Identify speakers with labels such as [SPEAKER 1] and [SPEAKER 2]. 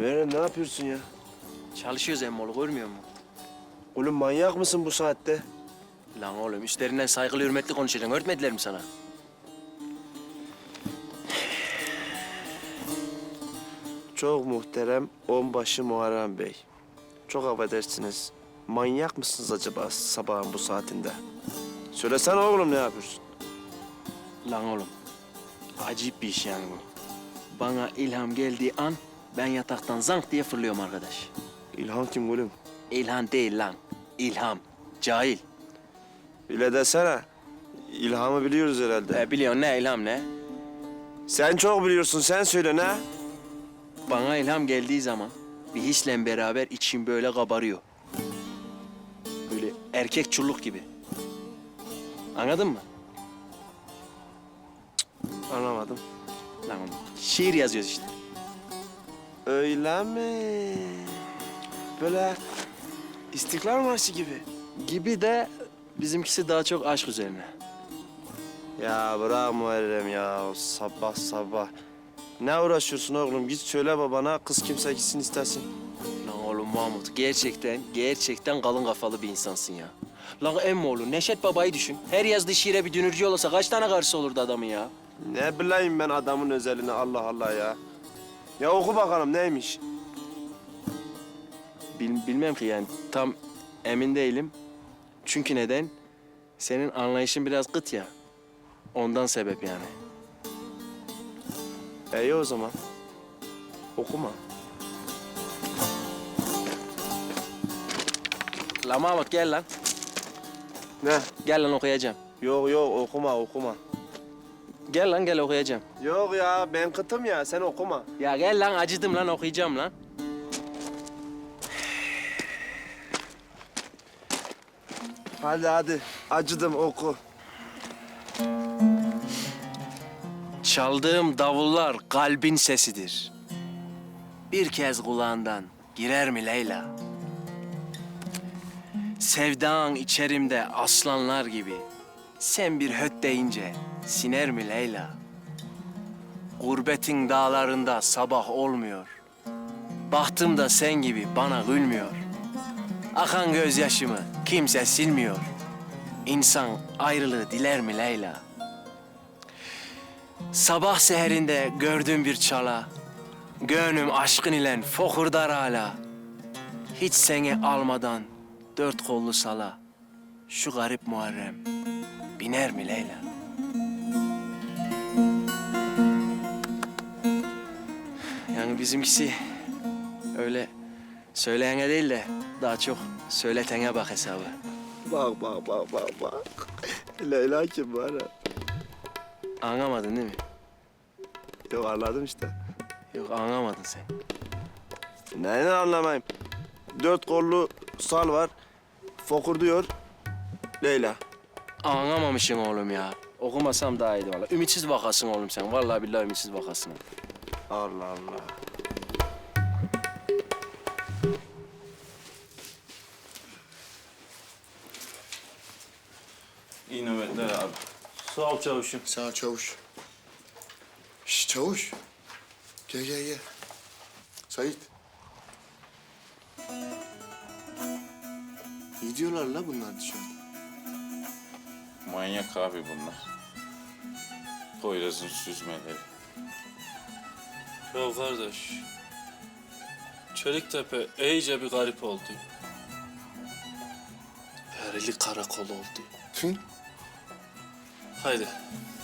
[SPEAKER 1] Meryem ne yapıyorsun ya?
[SPEAKER 2] Çalışıyoruz emmoğlu, görmüyor musun?
[SPEAKER 1] Oğlum manyak mısın bu saatte?
[SPEAKER 2] Lan oğlum, üstlerinden saygılı hürmetli konuşacaksın. Öğretmediler mi sana?
[SPEAKER 1] Çok muhterem onbaşı Muharrem Bey. Çok affedersiniz. Manyak mısınız acaba sabahın bu saatinde? Söylesene oğlum ne yapıyorsun?
[SPEAKER 2] Lan oğlum, acayip bir iş yani bu. Bana ilham geldiği an ben yataktan zank diye fırlıyorum arkadaş.
[SPEAKER 1] İlhan kim oğlum?
[SPEAKER 2] İlhan değil lan, ilham. Cahil.
[SPEAKER 1] Öyle desene. İlhamı biliyoruz herhalde.
[SPEAKER 2] Biliyorsun ne ilham ne?
[SPEAKER 1] Sen çok biliyorsun, sen söyle ne?
[SPEAKER 2] Bana ilham geldiği zaman bir hisle beraber içim böyle kabarıyor. Böyle erkek çulluk gibi. Anladın mı?
[SPEAKER 1] Anlamadım.
[SPEAKER 2] Lan oğlum, şiir yazıyoruz işte.
[SPEAKER 1] Öyle mi? Böyle İstiklal Marşı gibi.
[SPEAKER 2] Gibi de bizimkisi daha çok aşk üzerine.
[SPEAKER 1] Ya bırak Muharrem ya, sabah sabah. Ne uğraşıyorsun oğlum? Git söyle babana, kız kimse gitsin istesin.
[SPEAKER 2] Lan oğlum Mahmut, gerçekten kalın kafalı bir insansın ya. Lan emmoğlu, Neşet Baba'yı düşün. Her yazdığı şiire bir dünürcü olsa kaç tane karısı olurdu adamın ya?
[SPEAKER 1] Ne bileyim ben adamın özelini, Allah Allah ya. Ya oku bakalım neymiş?
[SPEAKER 2] Bilmem ki yani, tam emin değilim. Çünkü neden? Senin anlayışın biraz kıt ya. Ondan sebep yani.
[SPEAKER 1] İyi o zaman. Okuma.
[SPEAKER 2] Lan Mahmut gel lan.
[SPEAKER 1] Ne?
[SPEAKER 2] Gel lan okuyacağım.
[SPEAKER 1] Yok yok okuma okuma.
[SPEAKER 2] Gel lan gel okuyacağım.
[SPEAKER 1] Yok ya ben kıtım ya, sen okuma.
[SPEAKER 2] Ya gel lan, acıdım lan, okuyacağım lan.
[SPEAKER 1] Hadi hadi, acıdım oku.
[SPEAKER 2] Çaldığım davullar kalbin sesidir. Bir kez kulağından girer mi Leyla? Sevdan içerimde aslanlar gibi. Sen bir höt deyince siner mi Leyla? Gurbetin dağlarında sabah olmuyor. Bahtım da sen gibi bana gülmüyor. Akan gözyaşımı kimse silmiyor. İnsan ayrılığı diler mi Leyla? Sabah seherinde gördüm bir çala. Gönlüm aşkın ile fokurdar hala. Hiç seni almadan dört kollu sala. Şu garip Muharrem biner mi Leyla? Yani bizimkisi öyle söyleyene değil de daha çok söyletene bak hesabı.
[SPEAKER 1] Bak bak bak bak bak. Leyla kim var ya?
[SPEAKER 2] Anlamadın değil mi?
[SPEAKER 1] Yok anladım işte.
[SPEAKER 2] Yok anlamadın sen.
[SPEAKER 1] Neyini anlamayayım? Dört kollu sal var. Fokur diyor. Leyla.
[SPEAKER 2] Anlamamışsın oğlum ya. Okumasam daha iyiydi vallahi. Ümitsiz vakasın oğlum sen. Vallahi billahi ümitsiz vakasın.
[SPEAKER 1] Allah Allah.
[SPEAKER 3] İyi nöbetler abi.
[SPEAKER 2] Sağ ol çavuşum.
[SPEAKER 4] Sağ ol çavuş. Şş çavuş. Gel gel gel. Sait. Ne diyorlar la bunlar dışarıda?
[SPEAKER 3] Manyak abi bunlar. Poyraz'ın süzmeleri.
[SPEAKER 5] Ya kardeş, Çeliktepe iyice bir garip oldu. Perili karakol oldu.
[SPEAKER 4] Tüh.
[SPEAKER 5] Haydi,